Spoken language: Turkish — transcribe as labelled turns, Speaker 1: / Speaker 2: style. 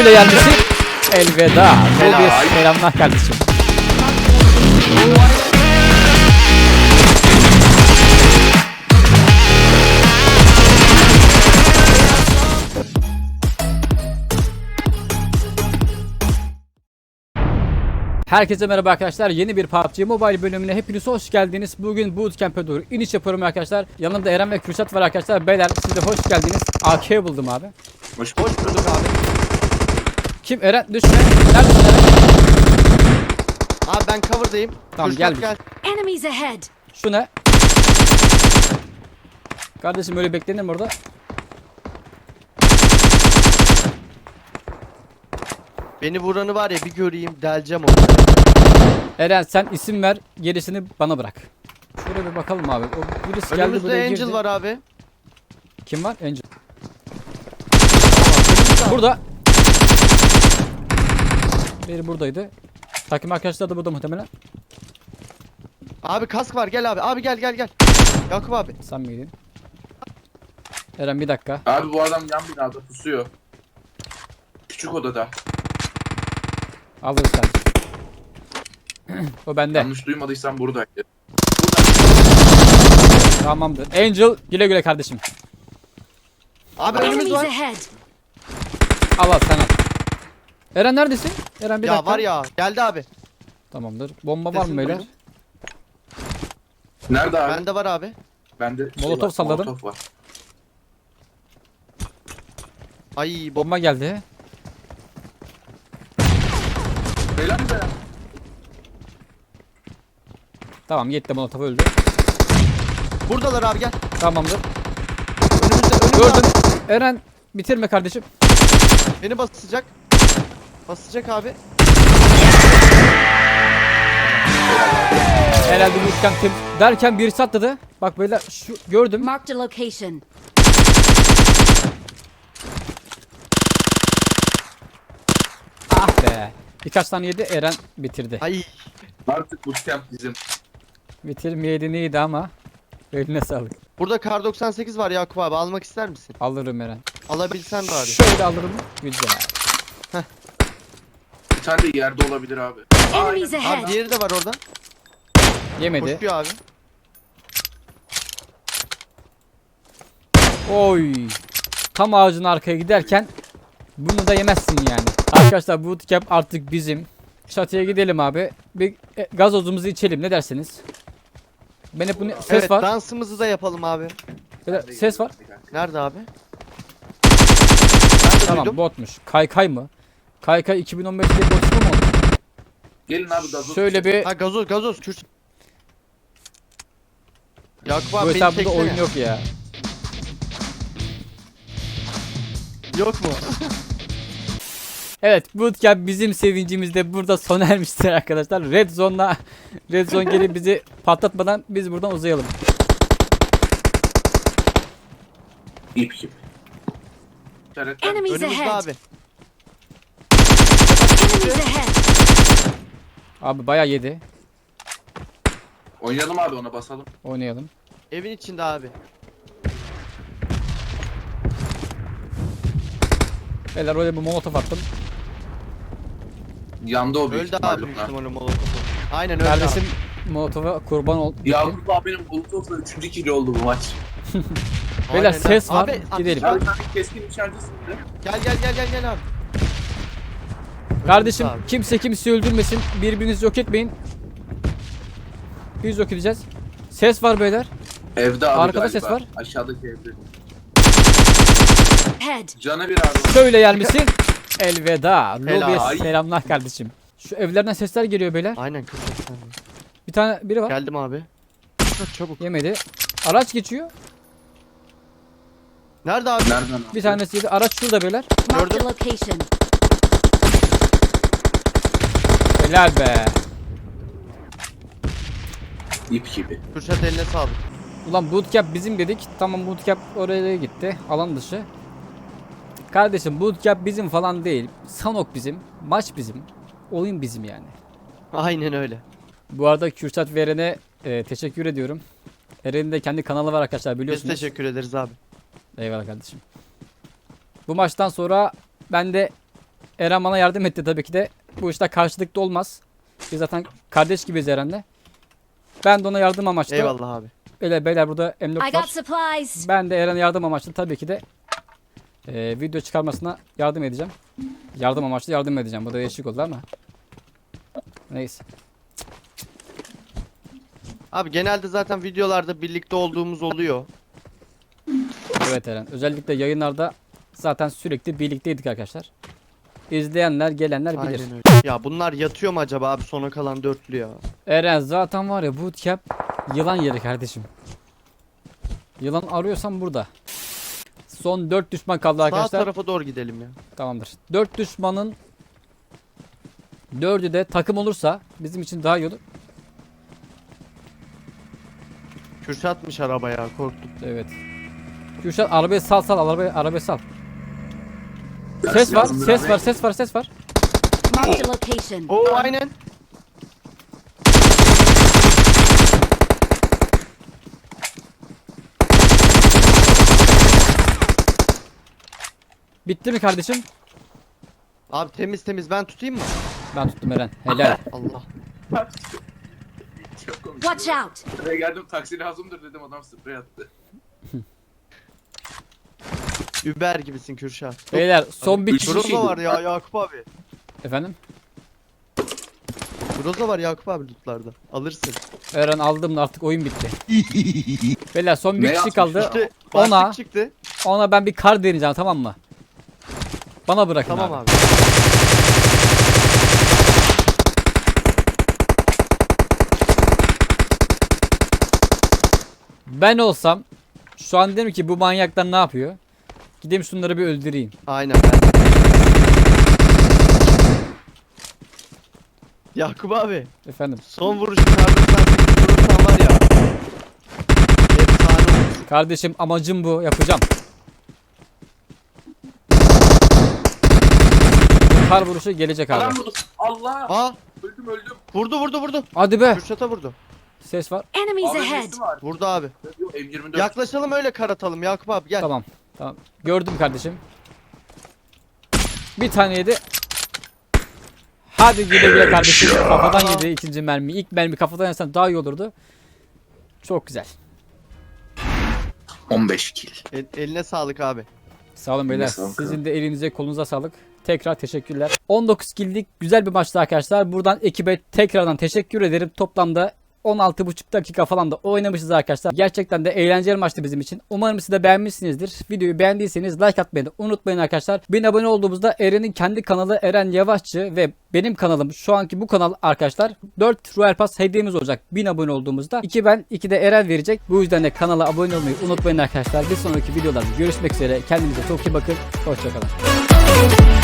Speaker 1: Şöyle gelmişsin. Elveda. Lobiye selamlar kardeşim. Herkese merhaba arkadaşlar. Yeni bir PUBG Mobile bölümüne hepiniz hoş geldiniz. Bugün Bootcamp'e doğru iniş yapıyorum arkadaşlar. Yanımda Eren ve Kürşat var arkadaşlar. Beyler siz de hoş geldiniz. AK buldum abi.
Speaker 2: Hoş bulduk abi.
Speaker 1: Kim? Eren düşme. Neredesin Eren?
Speaker 2: Abi ben cover'dayım.
Speaker 1: Tamam,
Speaker 2: Kürşat
Speaker 1: gel.
Speaker 3: Enemies ahead.
Speaker 1: Şu ne? Kardeşim öyle beklenir mi orada?
Speaker 2: Beni vuranı var ya bir göreyim deleceğim onu.
Speaker 1: Eren sen isim ver, gerisini bana bırak. Şöyle bir bakalım abi. O birisi geldi
Speaker 2: Önümüzde
Speaker 1: buraya
Speaker 2: Angel
Speaker 1: girdi.
Speaker 2: var abi.
Speaker 1: Kim var? Angel. Burada. Biri buradaydı. Takım arkadaşlar da burada muhtemelen.
Speaker 2: Abi kask var gel abi. Abi gel. Yakup abi.
Speaker 1: Sen miydin? Eren bir dakika.
Speaker 4: Abi bu adam yan binada pusuyor. Küçük odada.
Speaker 1: Alırız kardeşim. O bende.
Speaker 4: Yanlış duymadıysam buradaydı.
Speaker 1: Tamamdır. Angel güle güle kardeşim.
Speaker 2: Abi önümüz
Speaker 3: Enemies
Speaker 2: var.
Speaker 3: ahead.
Speaker 1: Al sen al. Eren neredesin? Eren bir
Speaker 2: Ya
Speaker 1: dakika.
Speaker 2: var ya geldi abi.
Speaker 1: Tamamdır. Bomba var mı
Speaker 2: Sesini
Speaker 1: beyler?
Speaker 2: duydum.
Speaker 4: Nerede abi?
Speaker 2: Bende var abi.
Speaker 4: Bende
Speaker 1: Molotof
Speaker 4: var,
Speaker 1: salladım.
Speaker 4: Molotof var.
Speaker 2: Ay
Speaker 1: Bomba geldi.
Speaker 4: Beyler mi be?
Speaker 1: Tamam yetti, Molotov öldü.
Speaker 2: buradalar abi gel.
Speaker 1: Tamamdır.
Speaker 2: Önümüzde
Speaker 1: Gördüm.
Speaker 2: abi.
Speaker 1: Eren bitirme kardeşim.
Speaker 2: Beni basacak. Basacak abi.
Speaker 1: Herhalde bootcamp tim derken birisi atladı. Bak beyler şu gördüm.
Speaker 3: Marked a location.
Speaker 1: Ah be. Birkaç tane yedi, Eren bitirdi.
Speaker 2: Ay
Speaker 4: Artık bootcamp bizim.
Speaker 1: Bitirmeyeydi neydi ama. Eline sağlık.
Speaker 2: burada kar 98 var Yakup abi almak ister misin?
Speaker 1: Alırım Eren.
Speaker 2: Alabilsen bari.
Speaker 1: Şöyle alırım. Güzel.
Speaker 4: Bir tane de yerde olabilir abi.
Speaker 3: Enemies
Speaker 2: Abi
Speaker 3: ahead.
Speaker 2: diğeri de var orada.
Speaker 1: Yemedi.
Speaker 2: Koşuyor abi.
Speaker 1: Oy. Tam ağacın arkaya giderken bunu da yemezsin yani. Arkadaşlar bootcamp artık bizim. Çatıya gidelim abi. Bir gazozumuzu içelim, ne dersiniz? Ben hep bunu ses
Speaker 2: Evet
Speaker 1: var.
Speaker 2: dansımızı da yapalım abi.
Speaker 1: Beyler, ses var.
Speaker 2: Nerede abi? Ben de
Speaker 1: Tamam
Speaker 2: duydum.
Speaker 1: botmuş. Kaykay mı? Kaykay 2015'te bot mu oldu?
Speaker 4: Gelin abi gazoz.
Speaker 1: Şöyle bir
Speaker 2: Ha gazoz Kürt. Yakup
Speaker 1: bu
Speaker 2: abi beni
Speaker 1: hesapta
Speaker 2: çeksene.
Speaker 1: oyun yok ya.
Speaker 2: Yok mu?
Speaker 1: Evet, bootcamp bizim sevincimizde burada sona ermiştir arkadaşlar. Red Zone gelip bizi patlatmadan biz buradan uzayalım.
Speaker 4: İp gibi. İşaretler.
Speaker 3: Enemies
Speaker 2: Önümüzde
Speaker 3: ahead.
Speaker 2: abi.
Speaker 3: Enemies ahead.
Speaker 1: Abi bayağı yedi.
Speaker 4: Oynayalım abi, ona basalım.
Speaker 1: Oynayalım.
Speaker 2: Evin içinde abi.
Speaker 1: Beyler oraya bir molotof attım.
Speaker 4: Yandı o büyük
Speaker 2: Öldü
Speaker 4: ihtimalle
Speaker 2: abi büyük
Speaker 4: bunlar.
Speaker 2: ihtimalle molotofu. Aynen öldü
Speaker 1: Kardeşim
Speaker 2: abi.
Speaker 1: molotofa kurban ol.
Speaker 4: Yakup abinin Molotof'la 3. kilo oldu bu maç.
Speaker 1: Beyler
Speaker 2: Aynen
Speaker 1: ses
Speaker 2: öyle.
Speaker 1: var.
Speaker 2: Abi,
Speaker 1: Gidelim.
Speaker 4: Ya bir tane keskin nişancısın de.
Speaker 2: Gel abi.
Speaker 1: Kardeşim
Speaker 2: Abi.
Speaker 1: kimse kimseyi öldürmesin. Birbirinizi yok etmeyin. Biz yok edeceğiz. Ses var beyler.
Speaker 4: Evde abi
Speaker 1: Arkada
Speaker 4: galiba.
Speaker 1: ses var.
Speaker 4: Aşağıdaki evde.
Speaker 3: Head.
Speaker 4: Canı bir abi.
Speaker 1: Şöyle gelmişsin. Elveda. Lobiye
Speaker 4: Helal.
Speaker 1: selamlar kardeşim. Şu evlerden sesler geliyor beyler.
Speaker 2: Aynen 40 tane.
Speaker 1: Bir tane biri var.
Speaker 2: Geldim abi. Çok çabuk.
Speaker 1: Yemedi. Araç geçiyor.
Speaker 2: Nerede abi?
Speaker 4: Nereden abi?
Speaker 1: Bir tanesi yedi. Araç şurada beyler.
Speaker 3: Marked
Speaker 2: Gördüm.
Speaker 3: a location.
Speaker 1: Helal be.
Speaker 4: İp gibi.
Speaker 2: Kürşat eline sağlık.
Speaker 1: Ulan bootcamp bizim dedik. Tamam bootcamp oraya gitti. Alan dışı. Kardeşim bootcamp bizim falan değil. Sanok bizim. Maç bizim. Oyun bizim yani.
Speaker 2: Aynen öyle.
Speaker 1: Bu arada Kürşat ve Eren'e teşekkür ediyorum. Eren'in de kendi kanalı var arkadaşlar,
Speaker 2: Biz
Speaker 1: biliyorsunuz.
Speaker 2: teşekkür ederiz abi.
Speaker 1: Eyvallah kardeşim. Bu maçtan sonra ben de Eren bana yardım etti tabii ki de. Bu işte karşılıklı olmaz. Biz zaten kardeş gibiyiz Eren'le. Ben de ona yardım amaçlı.
Speaker 2: Eyvallah abi.
Speaker 1: Beyler burada
Speaker 3: I
Speaker 1: M4
Speaker 3: got
Speaker 1: var.
Speaker 3: supplies.
Speaker 1: Ben de Eren'e yardım amaçlı tabii ki de video çıkarmasına yardım edeceğim. Yardım amaçlı yardım edeceğim. Bu da değişik oldu ama. Neyse.
Speaker 2: Abi genelde zaten videolarda birlikte olduğumuz oluyor.
Speaker 1: Evet Eren. Özellikle yayınlarda zaten sürekli birlikteydik arkadaşlar. İzleyenler, gelenler bilir.
Speaker 2: Aynen öyle. Ya bunlar yatıyor mu acaba abi sona kalan dörtlü ya?
Speaker 1: Eren zaten var ya bootcamp yılan yeri kardeşim. Yılan arıyorsan burada. Son 4 düşman kaldı
Speaker 2: Sağ
Speaker 1: arkadaşlar.
Speaker 2: tarafa doğru gidelim ya.
Speaker 1: Tamamdır. 4 düşmanın 4'ü de takım olursa bizim için daha iyi olur.
Speaker 2: Kürşatmış araba ya korktum.
Speaker 1: Evet. Kürşat arabayı sal arabayı sal. Ses var, ses var.
Speaker 3: Marked a location.
Speaker 2: Oo aynen.
Speaker 1: Bitti mi kardeşim?
Speaker 2: Abi temiz ben tutayım mı?
Speaker 1: Ben tuttum Eren. Helal.
Speaker 2: Allah.
Speaker 4: Çok komik.
Speaker 3: Watch out.
Speaker 4: Buraya geldim taksi lazımdır dedim adam sprey attı.
Speaker 2: Uber gibisin Kürşat.
Speaker 1: Beyler son bir kişi.
Speaker 2: Groza var ya Yakup abi.
Speaker 1: Efendim?
Speaker 2: Groza var Yakup abi lootlarda. Alırsın.
Speaker 1: Eren aldım da artık oyun bitti. Beyler son bir
Speaker 4: Ne
Speaker 1: kişi
Speaker 4: yapmış
Speaker 1: kaldı.
Speaker 2: İşte
Speaker 1: Ona-
Speaker 2: başlık çıktı.
Speaker 1: Ona ben bir kar deneyeceğim, tamam mı? Bana bırakın
Speaker 2: Tamam
Speaker 1: abi.
Speaker 2: abi.
Speaker 1: Ben olsam şu an derim ki bu manyaklar ne yapıyor? Gideyim şunları bir öldüreyim.
Speaker 2: Aynen ben. Yakup abi.
Speaker 1: Efendim.
Speaker 2: Son vuruşu kardeşten vurursan var ya. Efsane olur.
Speaker 1: Kardeşim amacım bu. Yapacağım. Kar vuruşu gelecek abi.
Speaker 4: Adam vurdu. Allah.
Speaker 2: Aa
Speaker 4: Öldüm.
Speaker 2: vurdu.
Speaker 1: Hadi be.
Speaker 2: Kürşat'a vurdu.
Speaker 1: Ses var.
Speaker 3: Enemies ahead.
Speaker 4: AVM'si var.
Speaker 2: Vurdu abi.
Speaker 4: Yok M24.
Speaker 2: Yaklaşalım öyle kar atalım Yakup abi gel.
Speaker 1: Tamam. Tamam. Gördüm kardeşim. Bir tane yedi. Hadi güle güle kardeşim. Kafadan yedi ikinci mermi. İlk mermi kafadan yersen daha iyi olurdu. Çok güzel.
Speaker 5: 15 kill.
Speaker 2: Eline sağlık abi.
Speaker 1: Sağ olun beyler.
Speaker 5: Sağ olun.
Speaker 1: Sizin de elinize kolunuza sağlık. Tekrar teşekkürler. 19 kill'lik güzel bir maçtı arkadaşlar. Buradan ekibe tekrardan teşekkür ederim. Toplamda 16,5 dakika falan da oynamışız arkadaşlar. Gerçekten de eğlenceli maçtı bizim için. Umarım siz de beğenmişsinizdir. Videoyu beğendiyseniz like atmayı da unutmayın arkadaşlar. 1000 abone olduğumuzda Eren'in kendi kanalı Eren Yavaşçı ve benim kanalım şu anki bu kanal arkadaşlar 4 Royal Pass hediyemiz olacak 1000 abone olduğumuzda. 2 ben 2 de Eren verecek. Bu yüzden de kanala abone olmayı unutmayın arkadaşlar. Bir sonraki videolarda görüşmek üzere. Kendinize çok iyi bakın. Hoşçakalın.